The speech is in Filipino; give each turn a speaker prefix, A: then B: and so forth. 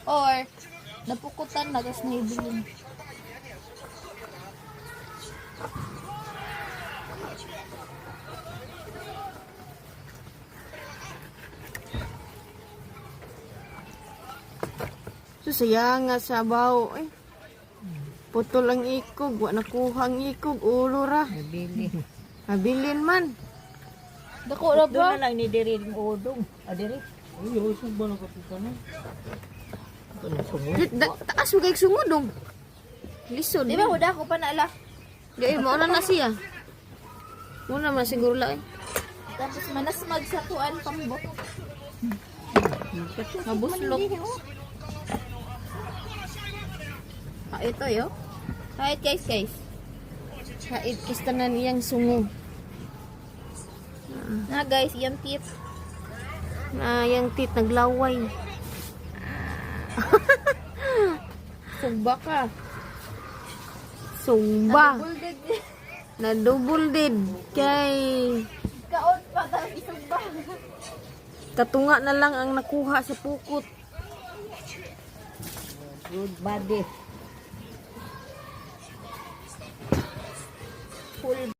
A: Or, napukutan na, tapos naibilin.
B: So, sayang nga sa baho. Eh. Putol ang ikog. Wa nakuha ang ikog. Ulo ra.
C: Nabili.
B: Habilin man.
A: Dako ra
C: Doon
A: ba?
C: na lang ni Diri ng udong. Diri.
D: Ay, usog ba na kapitan na? Ito na sungod.
B: Taas mo kayong sungudong. Lisod.
A: Di ba, huda ko pa naala.
B: Di, mauna na siya. Muna man siguro lang eh.
A: Tapos manasmag sa tuan pambot.
B: Mabuslok. Ito yo.
A: Kahit guys.
B: Kait kistanan iyang sungo.
A: Na guys, yung tip.
B: Na yang tit naglaway.
A: Sugba ka.
B: Sumba.
A: Bulded.
B: Na double dead. Kay
A: Kaon pa, tapos isugba.
B: katunga na lang ang nakuha sa pukot.
C: Good body.
A: Full